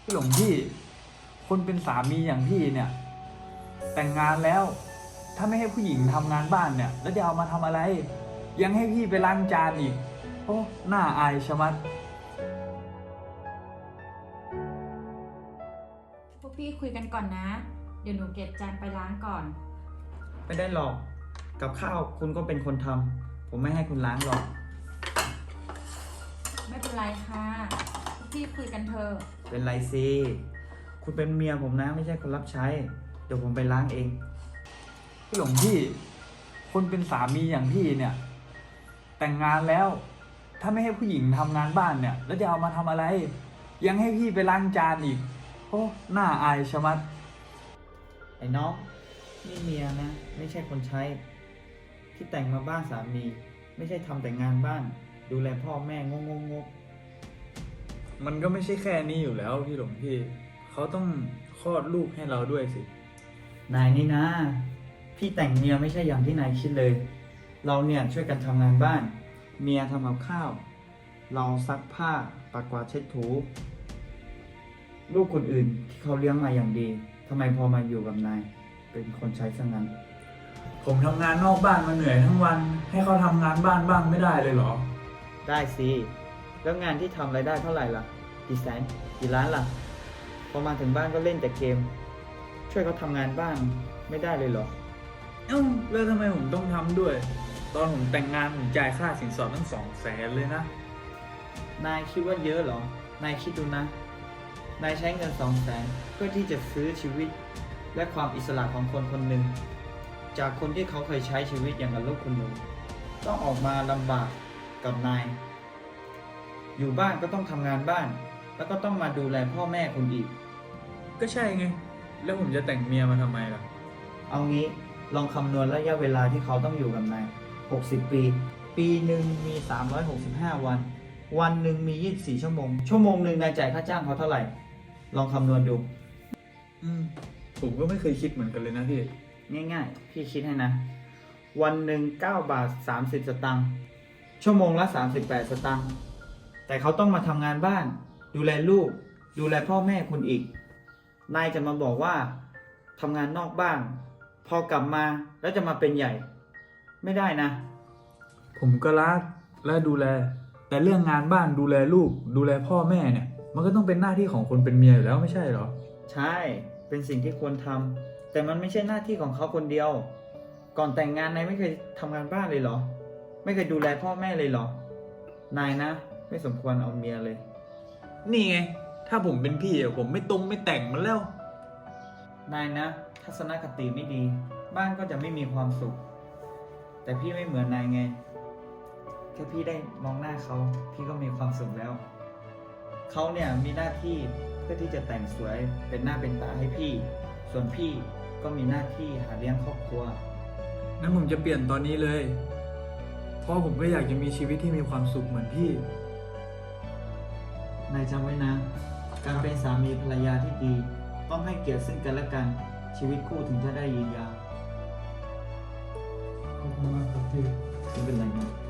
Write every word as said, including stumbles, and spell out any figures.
หลวงพี่คนเป็นสามีอย่างพี่เนี่ยแต่งงานแล้วถ้าไม่ให้ผู้หญิงทำงานบ้านเนี่ยแล้วจะเอามาทำอะไรยังให้พี่ไปล้างจานอีกโอ้น่าอายชะมัดพวกพี่คุยกันก่อนนะเดี๋ยวหนูเก็บจานไปล้างก่อนไม่ได้หรอกกับข้าวคุณก็เป็นคนทำผมไม่ให้คุณล้างหรอกไม่เป็นไรค่ะพวกพี่คุยกันเถอะเป็นไรสิคุณเป็นเมียผมนะไม่ใช่คนรับใช้เดี๋ยวผมไปล้างเองหลวงพี่คนเป็นสามีอย่างพี่เนี่ยแต่งงานแล้วถ้าไม่ให้ผู้หญิงทำงานบ้านเนี่ยแล้วจะเอามาทำอะไรยังให้พี่ไปล้างจานอีกโอ้น่าอายชะมัดไอ้น้องนี่เมียนะไม่ใช่คนใช้ที่แต่งมาบ้านสามีไม่ใช่ทำแต่งานบ้านดูแลพ่อแม่งงงงมันก็ไม่ใช่แค่นี้อยู่แล้วพี่หลวงพี่เขาต้องคลอดลูกให้เราด้วยสินายนี่นะพี่แต่งเมียไม่ใช่อย่างที่นายคิดเลยเราเนี่ยช่วยกันทำงานบ้านเมียทำกับข้าวเราซักผ้าปัดกวาดเช็ดถูลูกคนอื่นที่เขาเลี้ยงมาอย่างดีทำไมพอมาอยู่กับนายเป็นคนใช้ซะงั้นผมทำงานนอกบ้านมาเหนื่อยทั้งวันให้เขาทำงานบ้านบ้างไม่ได้เลยเหรอได้สิแล้วงานที่ทำรายได้เท่าไหร่ล่ะกี่แสนกี่ล้านล่ะพอมาถึงบ้านก็เล่นแต่เกมช่วยเขาทำงานบ้านไม่ได้เลยเหรอเอ้าแล้วทำไมผมต้องทำด้วยตอนผมแต่งงานผมจ่ายค่าสินสอดตั้งสองแสนเลยนะนายคิดว่าเยอะเหรอนายคิดดูนะนายใช้เงินสองแสนเพื่อที่จะซื้อชีวิตและความอิสระของคนคนหนึ่งจากคนที่เขาเคยใช้ชีวิตอย่างกับลูกคุณหนูต้องออกมาลำบากกับนายอยู่บ้านก็ต้องทำงานบ้านแล้วก็ต้องมาดูแลพ่อแม่คุณอีกก็ใช่ไงแล้วผมจะแต่งเมียมาทำไมล่ะเอางี้ลองคำนวณระยะเวลาที่เขาต้องอยู่กับนายหกสิบปีปีหนึ่งมีสามร้อยหกสิบห้าวันวันหนึ่งมียี่สิบสี่ชั่วโมงชั่วโมงหนึ่งนายจ่ายค่าจ้างเขาเท่าไหร่ลองคำนวณดูอืมผมก็ไม่เคยคิดเหมือนกันเลยนะพี่ง่ายๆพี่คิดให้นะวันหนึ่งเก้าบาทสามสิบสตางค์ชั่วโมงละสามสิบแปดสตางค์แต่เขาต้องมาทำงานบ้านดูแลลูกดูแลพ่อแม่คุณอีกนายจะมาบอกว่าทำงานนอกบ้านพอกลับมาแล้วจะมาเป็นใหญ่ไม่ได้นะผมก็รักและดูแลแต่เรื่องงานบ้านดูแลลูกดูแลพ่อแม่เนี่ยมันก็ต้องเป็นหน้าที่ของคนเป็นเมียอยู่แล้วไม่ใช่หรอใช่เป็นสิ่งที่ควรทำแต่มันไม่ใช่หน้าที่ของเขาคนเดียวก่อนแต่งงานนายไม่เคยทำงานบ้านเลยเหรอไม่เคยดูแลพ่อแม่เลยเหรอนายนะไม่สมควรเอาเมียเลยนี่ไงถ้าผมเป็นพี่อะผมไม่ตรงไม่แต่งมันแล้วนายนะทัศนคติไม่ดีบ้านก็จะไม่มีความสุขแต่พี่ไม่เหมือนนายไงแค่พี่ได้มองหน้าเขาพี่ก็มีความสุขแล้วเขาเนี่ยมีหน้าที่เพื่อที่จะแต่งสวยเป็นหน้าเป็นตาให้พี่ส่วนพี่ก็มีหน้าที่หาเลี้ยงครอบครัวงั้นผมจะเปลี่ยนตอนนี้เลยเพราะผมก็อยากจะมีชีวิตที่มีความสุขเหมือนพี่นายจำไว้นะการเป็นสามีภรรยาที่ดีต้องให้เกียรติซึ่งกันและกันชีวิตคู่ถึงจะได้ยืนยาวขอบคุณมากครับพี่ไม่เป็นไรนะ